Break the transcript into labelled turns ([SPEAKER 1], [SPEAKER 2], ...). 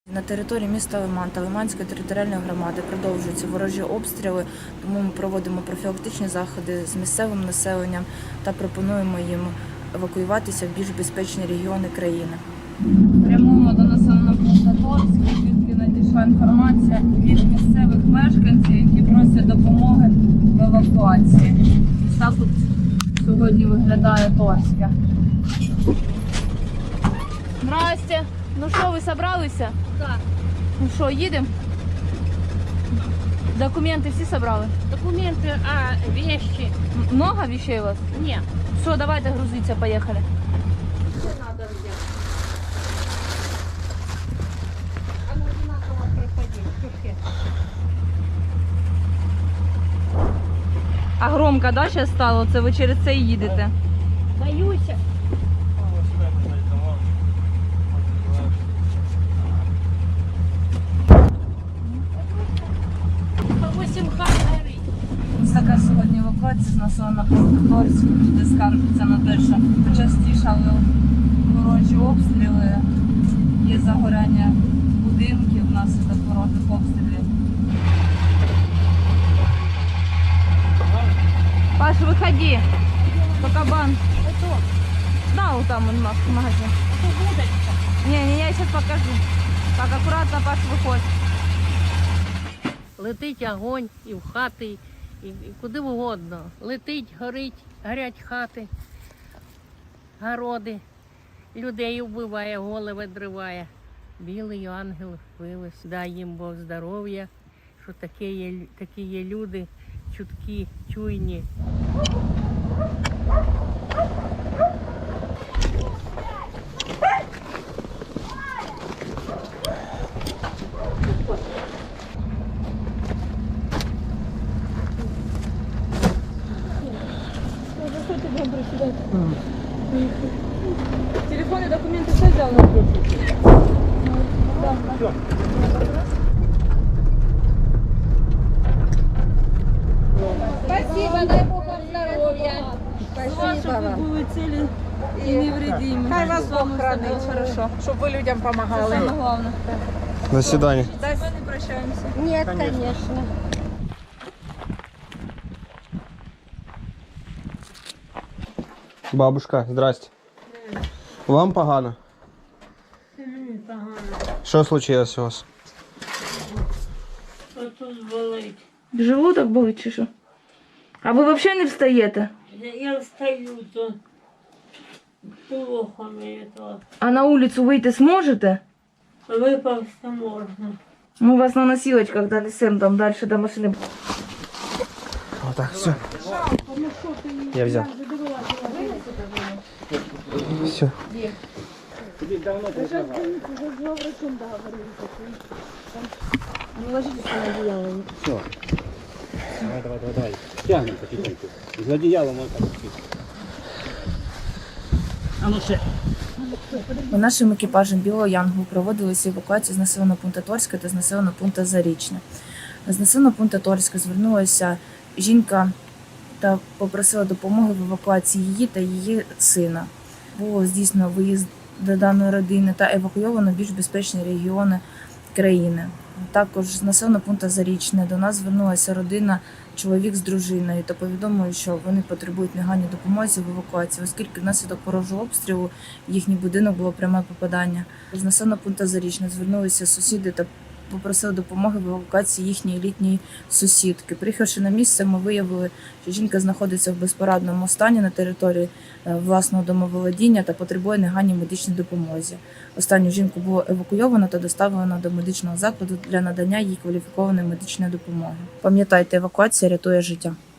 [SPEAKER 1] На території міста Лиман та Лиманської територіальної громади продовжуються ворожі обстріли, тому ми проводимо профілактичні заходи з місцевим населенням та пропонуємо їм евакуюватися в більш безпечні регіони країни.
[SPEAKER 2] Прямуємо до населеного пункту Торськ, звідки надійшла інформація від місцевих мешканців, які просять допомоги в евакуації. Ось так от сьогодні виглядає Торське. Здрасте. Ну що, ви зібралися?
[SPEAKER 3] Так.
[SPEAKER 2] Ну що, їдемо? Документи всі зібрали?
[SPEAKER 3] Документы, вещи.
[SPEAKER 2] Много вещей у вас?
[SPEAKER 3] Нет.
[SPEAKER 2] Все, давайте грузиться, поїхали.
[SPEAKER 3] Что надо взять? А ну одинаково приходи. Чушки.
[SPEAKER 2] А громко, да, зараз стало? Це ви через це і їдете?
[SPEAKER 3] Боюсь. По 8 хат горить.
[SPEAKER 2] Ось така сьогодні евакуація з населеного пункту Торськ. Люди скаржаться на те, що почастішали ворожі обстріли, є загоряння будинків внаслідок ворожих обстрілів. Паш, виходи, по кабан.
[SPEAKER 3] Это
[SPEAKER 2] Да, вот там он магазин.
[SPEAKER 3] удочка.
[SPEAKER 2] Не, я сейчас покажу. Так, аккуратно, Паш, виходь.
[SPEAKER 3] Летить огонь і в хати, і куди угодно. Летить, горять хати, городи. Людей вбиває, голови дриває. Білий ангел вилез, дай їм Бог здоров'я, що такі є люди, чуткі, чуйні.
[SPEAKER 2] Телефон и документы все взял на руку? Да.
[SPEAKER 4] Спасибо, дай Бог вам здоровья.
[SPEAKER 2] Чтобы вы были цели и невредимы.
[SPEAKER 4] Хай вас Бог хранит.
[SPEAKER 2] Хорошо.
[SPEAKER 4] Щоб ви людям допомагали.
[SPEAKER 2] Самое главное.
[SPEAKER 5] До свидания.
[SPEAKER 2] С вами не прощаемся.
[SPEAKER 4] Нет, конечно.
[SPEAKER 5] Бабушка, здрасте. Вам погано?
[SPEAKER 3] Погано.
[SPEAKER 5] Що случилось у вас?
[SPEAKER 3] Що тут болить?
[SPEAKER 2] Желудок болить чи що? А ви взагалі не встаєте?
[SPEAKER 3] Я встаю, то плохо мені то.
[SPEAKER 2] А на вулицю вийти зможете?
[SPEAKER 3] Випався можна.
[SPEAKER 2] Мы вас на носилочках донесем там дальше до машины.
[SPEAKER 5] Вот так, все. Я взял. Все.
[SPEAKER 6] Давай. Тягнем потихоньку. З одіялом ось так. А ну ще.
[SPEAKER 1] Нашим екіпажем Білого Янгу проводилися евакуації з населеного пункту Торська та з населеного пункту Зарічне. З населеного пункту Торська звернулася жінка та попросила допомоги в евакуації її та її сина. Було здійснено виїзд до даної родини та евакуйовано в більш безпечні регіони країни. Також з населеного пункту Зарічне до нас звернулася родина, чоловік з дружиною, та повідомили, що вони потребують негайної допомоги в евакуації, оскільки внаслідок ворожого обстрілу в їхній будинок було пряме попадання. З населеного пункту Зарічне звернулися сусіди та попросили допомоги в евакуації їхньої літньої сусідки. Приїхавши на місце, ми виявили, що жінка знаходиться в безпорадному стані на території власного домоволодіння та потребує негайної медичної допомоги. Останню жінку було евакуйовано та доставлено до медичного закладу для надання їй кваліфікованої медичної допомоги. Пам'ятайте, евакуація рятує життя.